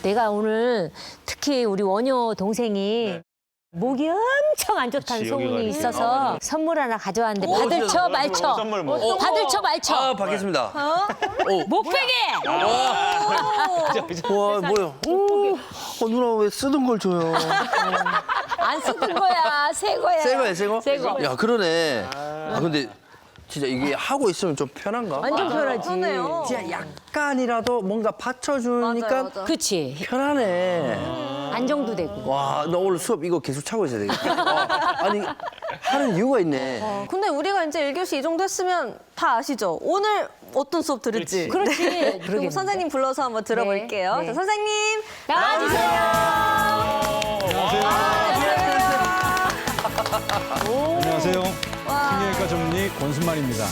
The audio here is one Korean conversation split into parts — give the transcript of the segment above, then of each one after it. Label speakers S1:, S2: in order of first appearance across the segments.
S1: 내가 오늘 특히 우리 원효 동생이 목이 엄청 안 좋다는
S2: 그치, 여기가
S1: 소문이
S2: 이렇게.
S1: 있어서 선물 하나 가져왔는데 받을 쳐 말쳐.
S2: 선물 뭐?
S1: 받을 쳐 말쳐.
S3: 아, 받겠습니다.
S1: 목베개.
S3: 와, 뭐야? 누나 왜 쓰던 걸 줘요?
S1: 안 쓰던 거야. 새 거야.
S3: 새 거야, 새 거?
S1: 새 거.
S3: 야, 그러네. 아, 근데 진짜 이게 하고 있으면 좀 편한가?
S1: 완전 편하지.
S4: 그러네요.
S3: 진짜 약간이라도 뭔가 받쳐주니까
S4: 맞아요.
S1: 그치.
S3: 편하네.
S1: 안정도 되고.
S3: 와, 나 오늘 수업 이거 계속 차고 있어야 되겠다. 아니, 하는 이유가 있네.
S4: 근데 우리가 이제 1교시 이 정도 했으면 다 아시죠? 오늘 어떤 수업 들을지.
S1: 그렇지.
S4: 네. 그럼
S1: 그러겠네.
S4: 선생님 불러서 한번 들어볼게요.
S1: 네.
S4: 자, 선생님.
S1: 나와주세요.
S5: 안녕하세요. 신경외과 전문의 권순만입니다.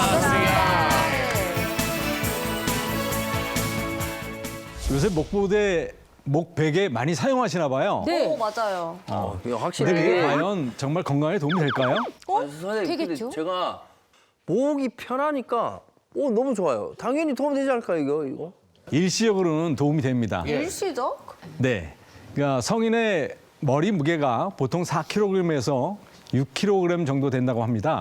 S5: 요새 목보대, 목베개 많이 사용하시나 봐요.
S1: 네.
S4: 오, 맞아요.
S3: 이거 확실히
S5: 근데 그게
S3: 이게
S5: 과연 정말 건강에 도움이 될까요?
S3: 선생님,
S1: 되겠죠?
S3: 근데 제가 목이 편하니까 너무 좋아요. 당연히 도움 되지 않을까 이거?
S5: 일시적으로는 도움이 됩니다.
S4: 일시죠?
S5: 네. 그러니까 성인의 머리 무게가 보통 4kg에서 6kg 정도 된다고 합니다.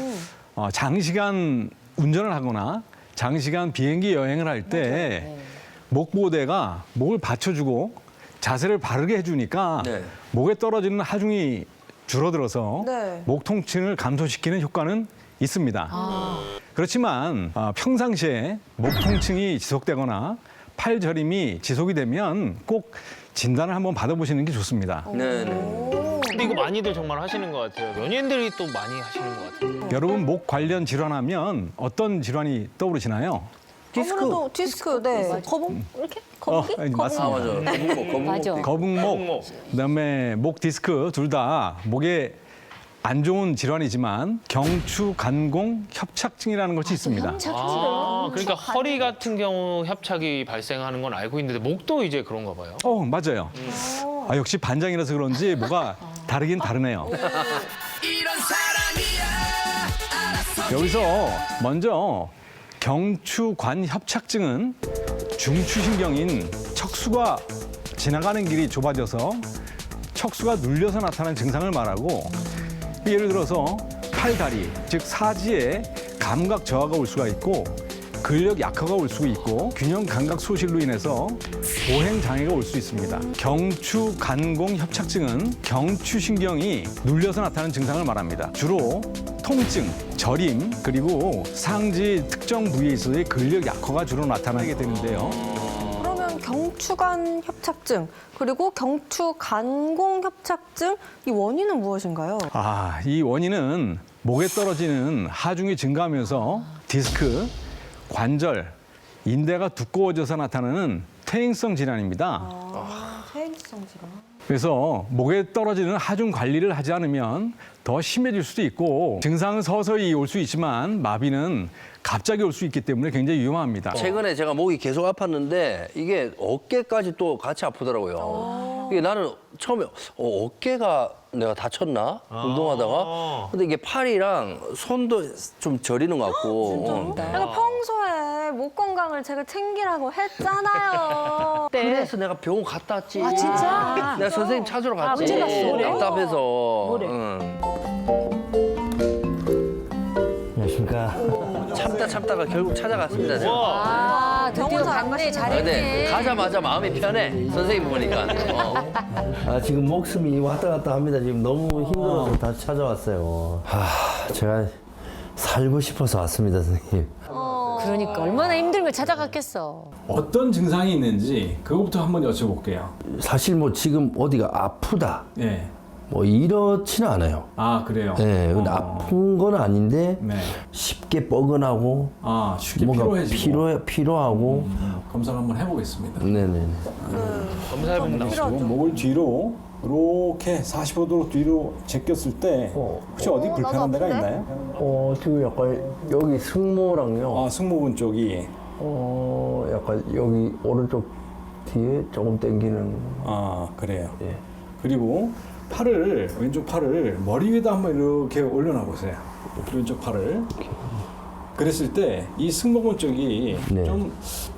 S5: 장시간 운전을 하거나 장시간 비행기 여행을 할 때 목보호대가 목을 받쳐주고 자세를 바르게 해주니까
S3: 네.
S5: 목에 떨어지는 하중이 줄어들어서
S4: 네.
S5: 목 통증을 감소시키는 효과는 있습니다. 그렇지만 평상시에 목 통증이 지속되거나 팔 저림이 지속이 되면 꼭 진단을 한번 받아보시는 게 좋습니다.
S3: 네네.
S2: 근데 이거 많이들 정말 하시는 것 같아요. 연예인들이 또 많이 하시는 것 같아요.
S5: 여러분 목 관련 질환하면 어떤 질환이 떠오르시나요?
S3: 디스크.
S4: 아무래도 디스크, 네. 거북, 이렇게? 거북이?
S5: 아니, 맞습니다.
S3: 아, 맞아. 거북목.
S1: 맞아.
S5: 거북목, 그다음에 목 디스크 둘 다 목에 안 좋은 질환이지만 경추 간공 협착증이라는 것이 있습니다.
S2: 그러니까 허리 같은 경우 협착이 발생하는 건 알고 있는데 목도 이제 그런가 봐요.
S5: 맞아요. 역시 반장이라서 그런지 뭐가 다르긴 다르네요. 여기서 먼저 경추관 협착증은 중추신경인 척수가 지나가는 길이 좁아져서 척수가 눌려서 나타나는 증상을 말하고 예를 들어서 팔, 다리, 즉 사지에 감각 저하가 올 수가 있고 근력 약화가 올 수 있고 균형 감각 소실로 인해서 보행 장애가 올 수 있습니다. 경추 간공 협착증은 경추신경이 눌려서 나타나는 증상을 말합니다. 주로 통증, 저림, 그리고 상지 특정 부위에서의 근력 약화가 주로 나타나게 되는데요.
S4: 그러면 경추관 협착증, 그리고 경추간공 협착증, 이 원인은 무엇인가요?
S5: 이 원인은 목에 떨어지는 하중이 증가하면서 디스크, 관절, 인대가 두꺼워져서 나타나는 퇴행성 질환입니다.
S4: 퇴행성 질환.
S5: 그래서 목에 떨어지는 하중 관리를 하지 않으면 더 심해질 수도 있고 증상은 서서히 올 수 있지만 마비는 갑자기 올 수 있기 때문에 굉장히 위험합니다.
S3: 최근에 제가 목이 계속 아팠는데 이게 어깨까지 또 같이 아프더라고요. 이게 나는 처음에 어깨가 내가 다쳤나? 운동하다가. 근데 이게 팔이랑 손도 좀 저리는 것 같고.
S4: 내가 평소에 목 건강을 제가 챙기라고 했잖아요.
S3: 그래서 내가 병원 갔다 왔지.
S1: 아, 진짜?
S3: 내가 선생님 찾으러 갔지.
S1: 언제 갔어? 그래?
S3: 답답해서.
S1: 뭐래?
S3: 안녕하십니까. 참다가 결국 찾아갔습니다. 제가.
S1: 드디어
S4: 병원 잘
S1: 갔네.
S4: 가시네.
S1: 잘했네.
S3: 근데 가자마자 마음이 편해. 선생님 보니까.
S6: 지금 목숨이 왔다 갔다 합니다. 지금 너무 힘들어서 다시 찾아왔어요. 제가 살고 싶어서 왔습니다, 선생님.
S1: 그러니까 얼마나 힘들면 찾아갔겠어.
S5: 어떤 증상이 있는지 그것부터 한번 여쭤볼게요.
S6: 사실 뭐 지금 어디가 아프다,
S5: 네.
S6: 뭐 이렇지는 않아요.
S5: 그래요?
S6: 네, 근데 아픈 건 아닌데
S5: 네.
S6: 쉽게 뻐근하고
S5: 쉽게
S6: 뭔가
S5: 피로해지고.
S6: 피로하고.
S5: 검사를 한번 해보겠습니다.
S6: 네네.
S2: 검사해보면 나오죠.
S5: 목을 뒤로 이렇게 45도로 뒤로 제꼈을 때 혹시 어디 불편한 데가 있나요?
S6: 지금 약간 여기 승모랑요.
S5: 승모근 쪽이.
S6: 약간 여기 오른쪽 뒤에 조금 당기는.
S5: 그래요.
S6: 예.
S5: 그리고 왼쪽 팔을 머리 위에다 한번 이렇게 올려놔 보세요. 왼쪽 팔을. 그랬을 때 이 승모근 쪽이
S6: 네.
S5: 좀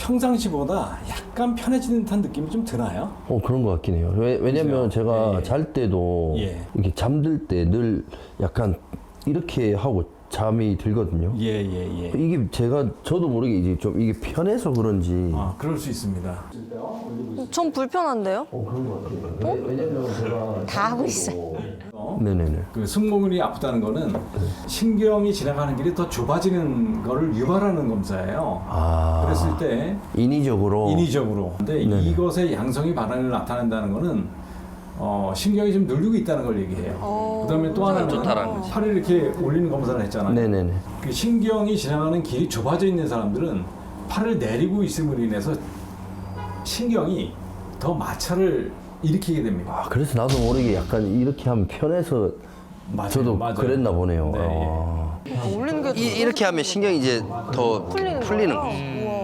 S5: 평상시보다 약간 편해지는 듯한 느낌이 좀 드나요?
S6: 그런 것 같긴 해요. 왜냐면 제가
S5: 예.
S6: 잘 때도
S5: 예.
S6: 이렇게 잠들 때 늘 약간 이렇게 하고 잠이 들거든요.
S5: 예.
S6: 이게 저도 모르게 이제 좀 이게 편해서 그런지.
S5: 아, 그럴 수 있습니다.
S4: 전 불편한데요?
S6: 그런 것 같아요. 왜냐면 제가
S1: 다 하고 있어.
S6: 네네네.
S5: 그 승모근이 아프다는 거는 신경이 지나가는 길이 더 좁아지는 거를 유발하는 검사예요.
S6: 아.
S5: 그랬을 때
S6: 인위적으로.
S5: 근데
S6: 네네.
S5: 이것의 양성이 반응을 나타낸다는 거는 신경이 좀 눌리고 있다는 걸 얘기해요. 그다음에 또 하나는
S3: 좋다라는 거지.
S5: 팔을 이렇게 올리는 검사를 했잖아요.
S6: 네네네.
S5: 그 신경이 지나가는 길이 좁아져 있는 사람들은 팔을 내리고 있음으로 인해서 신경이 더 마찰을 일으키게 됩니다.
S6: 아, 그래서 나도 모르게 약간 이렇게 하면 편해서
S5: 맞아요,
S6: 저도
S5: 맞아요.
S6: 그랬나 보네요.
S5: 네,
S6: 아.
S4: 올리는 게
S3: 이렇게 하면 신경이 이제 더 풀리는 거.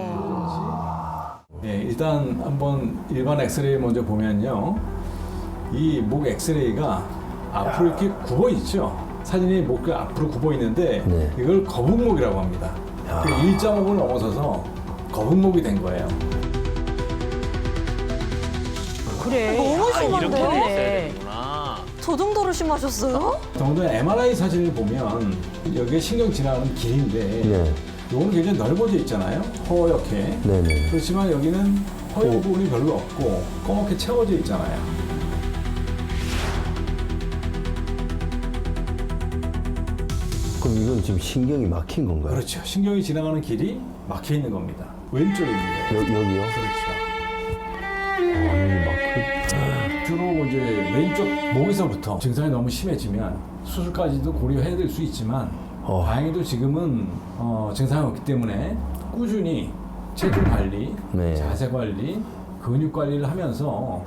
S5: 예, 일단 한번 일반 엑스레이 먼저 보면요. 이 목 엑스레이가 앞으로 이렇게 굽어 있죠. 사진이 목이 앞으로 굽어 있는데
S6: 네.
S5: 이걸 거북목이라고 합니다. 그 1.5를 넘어서서 거북목이 된 거예요.
S1: 그래.
S4: 너무
S1: 아,
S4: 심한데요?
S2: 이렇게 돼 있어야
S1: 그래.
S2: 되는구나.
S4: 저 정도로 심하셨어요?
S5: 더군다나 MRI 사진을 보면 여기에 신경 지나가는 길인데
S6: 네.
S5: 요거는 굉장히 넓어져 있잖아요. 허옇게.
S6: 네네.
S5: 그렇지만 여기는 허연 부분이 별로 없고 검게 채워져 있잖아요.
S6: 그럼 이건 지금 신경이 막힌 건가요?
S5: 그렇죠. 신경이 지나가는 길이 막혀 있는 겁니다. 왼쪽입니다.
S6: 여기요?
S5: 그렇죠.
S6: 아니, 막힌.
S5: 주로 이제 왼쪽 목에서부터 증상이 너무 심해지면 수술까지도 고려해야 될 수 있지만 다행히도 지금은 증상이 없기 때문에 꾸준히 체중 관리,
S6: 네.
S5: 자세 관리, 근육 관리를 하면서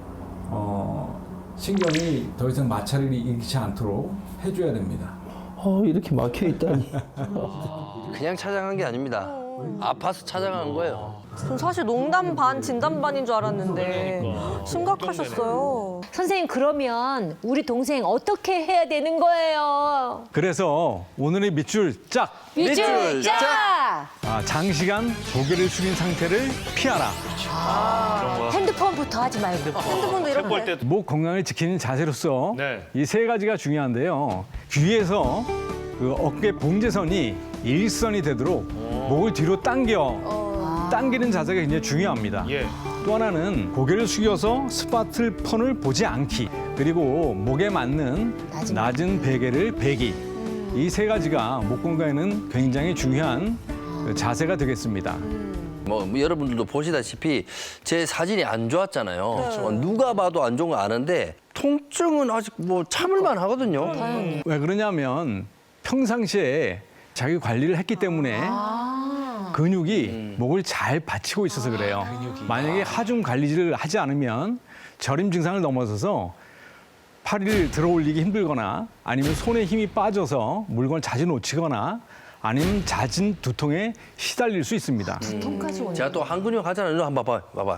S5: 신경이 더 이상 마찰을 일으키지 않도록 해줘야 됩니다.
S6: 이렇게 막혀 있다니.
S3: 그냥 찾아간 게 아닙니다. 아파서 찾아간 거예요.
S4: 전 사실 농담 반 진담 반인 줄 알았는데 심각하셨어요.
S1: 선생님 그러면 우리 동생 어떻게 해야 되는 거예요?
S5: 그래서 오늘의 밑줄 짝!
S1: 밑줄 짜!
S5: 장시간 고개를 숙인 상태를 피하라.
S1: 핸드폰부터 하지 말고.
S4: 핸드폰도 이렇게.
S5: 목 건강을 지키는 자세로서
S2: 네.
S5: 이 세 가지가 중요한데요. 귀에서 그 어깨 봉제선이 일선이 되도록 목을 뒤로 당기는 자세가 굉장히 중요합니다.
S2: 예.
S5: 또 하나는 고개를 숙여서 스마트폰을 보지 않기, 그리고 목에 맞는 낮은 베개를 베기. 이 세 가지가 목 건강에는 굉장히 중요한 자세가 되겠습니다.
S3: 뭐 여러분들도 보시다시피 제 사진이 안 좋았잖아요. 누가 봐도 안 좋은 거 아는데 통증은 아직 뭐 참을만 하거든요.
S5: 왜 그러냐면 평상시에 자기 관리를 했기 때문에 근육이 목을 잘 받치고 있어서 그래요. 만약에 하중 관리를 하지 않으면 저림 증상을 넘어서서 팔을 들어 올리기 힘들거나 아니면 손에 힘이 빠져서 물건을 자주 놓치거나 아니면 잦은 두통에 시달릴 수 있습니다.
S1: 통까지 오네.
S3: 제가 또 한 근육 하잖아요. 이거 한번 봐봐.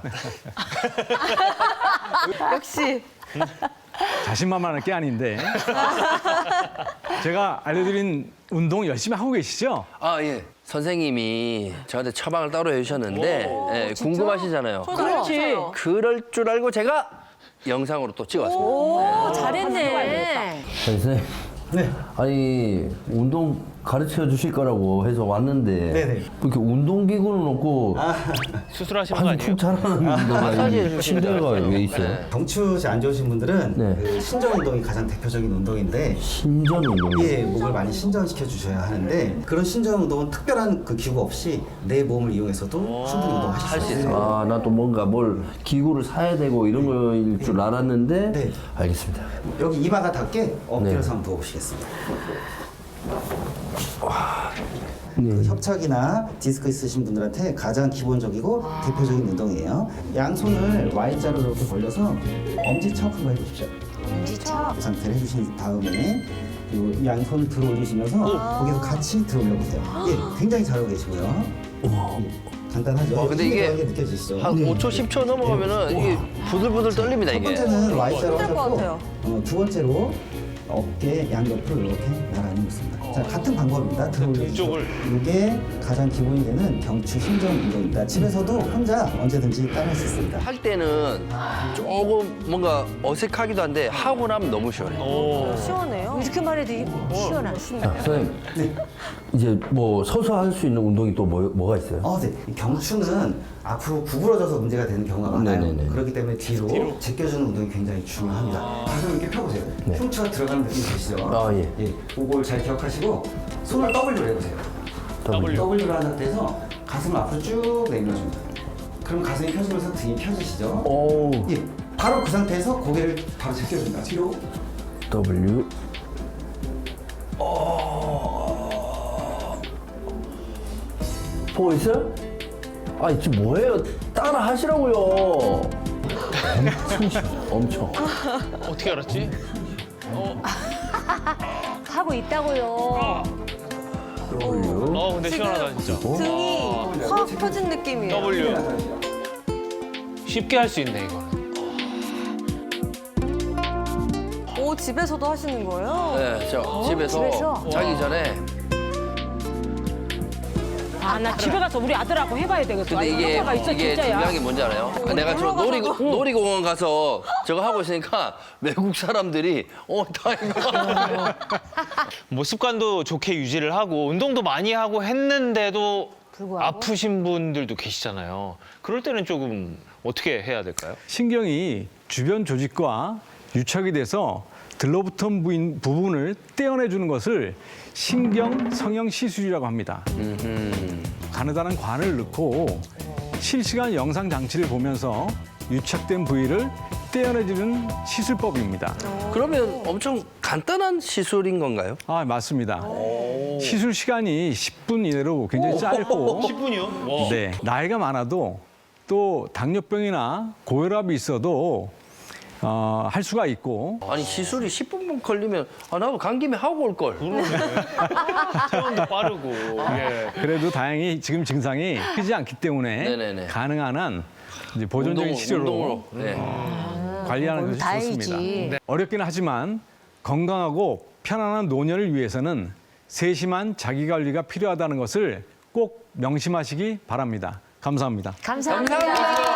S4: 역시.
S5: 자신만만할 게 아닌데 제가 알려드린 운동 열심히 하고 계시죠?
S3: 아, 예. 선생님이 저한테 처방을 따로 해주셨는데 예, 궁금하시잖아요.
S1: 그렇지.
S3: 그럴 줄 알고 제가 영상으로 또 찍어왔습니다.
S1: 오, 잘했네.
S6: 선생님. 네. 아니, 운동 가르쳐 주실 거라고 해서 왔는데.
S7: 네네.
S6: 이렇게 운동기구는 없고.
S2: 수술하시는 거
S6: 아주
S2: 아니에요?
S6: 푹 자라는 데가 이 침대가 왜 있어요?
S7: 경추지 안 좋으신 분들은
S6: 네.
S7: 그 신전 운동이 가장 대표적인 운동인데
S6: 신전 운동.
S7: 예, 목을 많이 신전시켜 주셔야 하는데 그런 신전 운동은 특별한 그 기구 없이 내 몸을 이용해서도 충분히 운동하실 수 있어요.
S6: 아, 나 또 뭔가 뭘 기구를 사야 되고 이런 거일 줄 알았는데.
S7: 네.
S6: 알겠습니다.
S7: 여기 이마가 닿게 엎드려서
S6: 네.
S7: 한번 부어보시겠습니다.
S6: 네.
S7: 그 협착이나 디스크 있으신 분들한테 가장 기본적이고 대표적인 운동이에요. 양손을 Y자로 이렇게 벌려서 엄지척 한번 해보십시오. 이 상태를 해주신 다음에 이 양손을 들어 올리시면서 거기서 같이 들어 올려보세요. 예, 굉장히 잘하고 계시고요. 예, 간단하죠?
S3: 근데 이게
S7: 힘이 느껴지시죠?
S3: 한 5초, 10초 넘어가면은 이게 부들부들 떨립니다,
S7: 첫
S3: 이게.
S7: 번째는 Y자로
S4: 힘들 것
S7: 하셨고
S4: 같아요.
S7: 두 번째로 어깨 양옆으로 이렇게 나란히 놓습니다. 자, 같은 방법입니다. 들어올려주시죠.
S2: 등쪽을.
S7: 이게 가장 기본이 되는 경추 신경 운동입니다. 집에서도 혼자 언제든지 따라할 수 있습니다.
S3: 할 때는 조금 뭔가 어색하기도 한데 하고 나면 너무 시원해요.
S2: 오.
S4: 시원해요.
S1: 이렇게만 해도 시원하네.
S6: 자, 선생님. 이제 뭐 서서 할 수 있는 운동이 또 뭐가 있어요?
S7: 네. 이 경추는 앞으로 구부러져서 문제가 되는 경우가 많아요.
S6: 네네네.
S7: 그렇기 때문에 뒤로 제껴주는 운동이 굉장히 중요합니다. 가슴 이렇게 펴보세요. 흉추가 들어가는 느낌 되시죠?
S6: 아, 예.
S7: 그걸 잘 기억하시고 손을 W로 해보세요. W로 한 상태에서 가슴을 앞으로 쭉 내밀어줍니다. 그럼 가슴이 펴지면서 등이 펴지시죠?
S6: 오.
S7: 예. 바로 그 상태에서 고개를 바로 제껴줍니다. 뒤로.
S6: W. 보고 있어요? 아니 지금 뭐예요? 따라 하시라고요. 엄청 쉬워. 엄청.
S2: 어떻게 알았지?
S1: 하고 있다고요.
S6: W.
S2: 근데 시원하다 진짜.
S4: 등이 확 펴진 느낌이에요.
S2: W. 쉽게 할 수 있네 이거.
S4: 오, 집에서도 하시는 거예요?
S3: 네, 저 집에서
S1: 집에서?
S3: 자기 전에.
S1: 아, 나 집에 가서 우리 아들하고 해봐야 되겠어.
S3: 근데 이게
S1: 효과가 있어,
S3: 이게
S1: 진짜야.
S3: 중요한 게 뭔지 알아요? 내가 저 놀이공원 가서 저거 하고 있으니까 외국 사람들이 다 이거.
S2: 뭐 습관도 좋게 유지를 하고 운동도 많이 하고 했는데도
S1: 불구하고?
S2: 아프신 분들도 계시잖아요. 그럴 때는 조금 어떻게 해야 될까요?
S5: 신경이 주변 조직과 유착이 돼서 들러붙은 부분을 떼어내주는 것을 신경 성형 시술이라고 합니다. 가느다란 관을 넣고 실시간 영상 장치를 보면서 유착된 부위를 떼어내주는 시술법입니다.
S3: 그러면 엄청 간단한 시술인 건가요?
S5: 아, 맞습니다. 시술 시간이 10분 이내로 굉장히 짧고
S2: 10분이요? 와.
S5: 네, 나이가 많아도 또 당뇨병이나 고혈압이 있어도 할 수가 있고
S3: 아니 시술이 10분만 걸리면 나도 간 김에 하고 올 걸.
S2: 체온도 빠르고. 예.
S5: 그래도 다행히 지금 증상이 크지 않기 때문에
S3: 네네네.
S5: 가능한 한 이제 보존적인 치료로
S3: 네.
S5: 관리하는 것이
S1: 다행이지.
S5: 좋습니다. 네. 어렵긴 하지만 건강하고 편안한 노년을 위해서는 세심한 자기관리가 필요하다는 것을 꼭 명심하시기 바랍니다. 감사합니다.
S1: 감사합니다.